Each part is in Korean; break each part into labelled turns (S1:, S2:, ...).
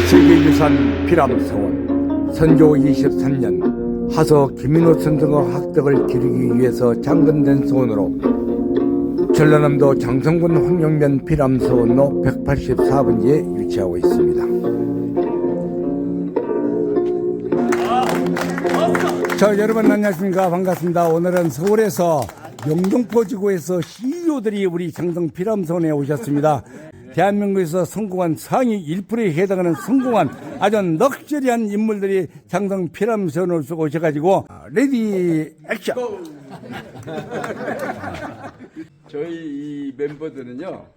S1: 세계유산 피람서원 선조 23년 하서 김인호 선생의 학덕을 기리기 위해서 창건된 서원으로 전라남도 장성군 황룡면 피람서원로 184번지에 위치하고 있습니다. 자, 여러분 안녕하십니까. 반갑습니다. 오늘은 서울에서 영등포 지구에서 CEO들이 우리 장성 피람서원에 오셨습니다. 대한민국에서 성공한 상위 1%에 해당하는 성공한 아주 럭셔리한 인물들이 장성 피람서원을 오셔가지고 레디 액션.
S2: 저희 이 멤버들은요,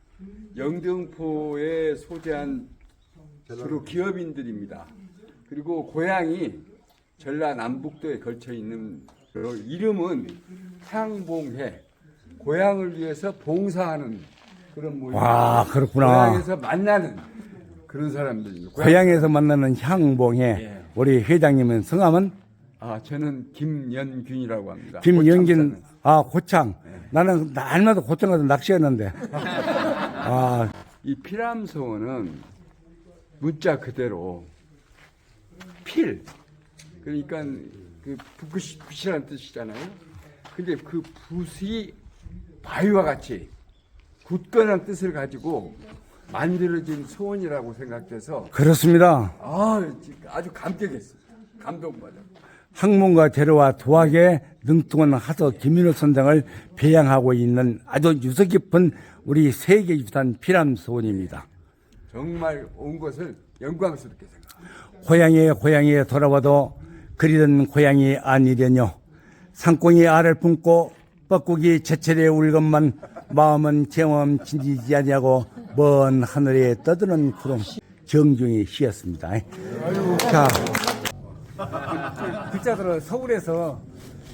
S2: 영등포에 소재한 주로 기업인들입니다. 그리고 고향이 전라남북도에 걸쳐 있는, 이름은 향봉회, 고향을 위해서 봉사하는 그런 모임.
S1: 와, 그렇구나.
S2: 고향에서 만나는 그런 사람들입니다.
S1: 고향에서 만나는 향봉회.
S2: 예.
S1: 우리 회장님은 성함은?
S2: 저는 김연균이라고 합니다.
S1: 김연균. 고창. 나는 날마다 고창 가서 낚시했는데.
S2: 이 피람서원은 문자 그대로 필, 그러니까 그 붓이라는 뜻이잖아요. 근데 그 붓이 바위와 같이 굳건한 뜻을 가지고 만들어진 소원이라고 생각돼서
S1: 그렇습니다.
S2: 아주 감격했습니다. 감동받아.
S1: 학문과 재료와 도학에 능통한 하서 김인호 선장을 배양하고 있는 아주 유서 깊은 우리 세계유산 피람서원입니다.
S2: 정말 온 것을 영광스럽게 생각합니다.
S1: 고향에 돌아와도 그리던 고향이 아니려뇨. 상공이 알을 품고 뻐꾸기 제철에 울것만 마음은 경험 진지지 아니하고 먼 하늘에 떠드는 구름. 정중히 시였습니다. 자, 글자들은 서울에서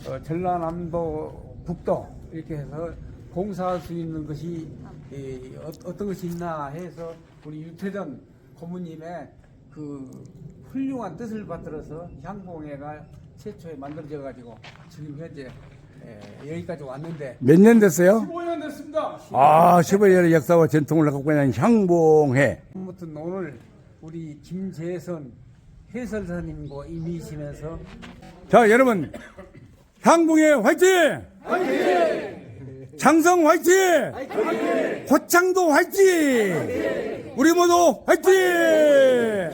S1: 전라남도 북도 이렇게 해서 봉사할 수 있는 것이 어떤 것이 있나 해서 우리 유태전 고모님의 그 훌륭한 뜻을 받들어서 향봉회가 최초에 만들어져 가지고 지금 현재 여기까지 왔는데 몇 년 됐어요?
S2: 15년 됐습니다.
S1: 15년의 역사와 전통을 갖고 있는 향봉회.
S3: 아무튼 오늘 우리 김재선 해설사님과 임의시면서
S1: 자, 여러분, 향봉회 화이팅! 화이팅! 장성 화이팅! 화이팅! 고창도 화이팅! 우리 모두 화이팅!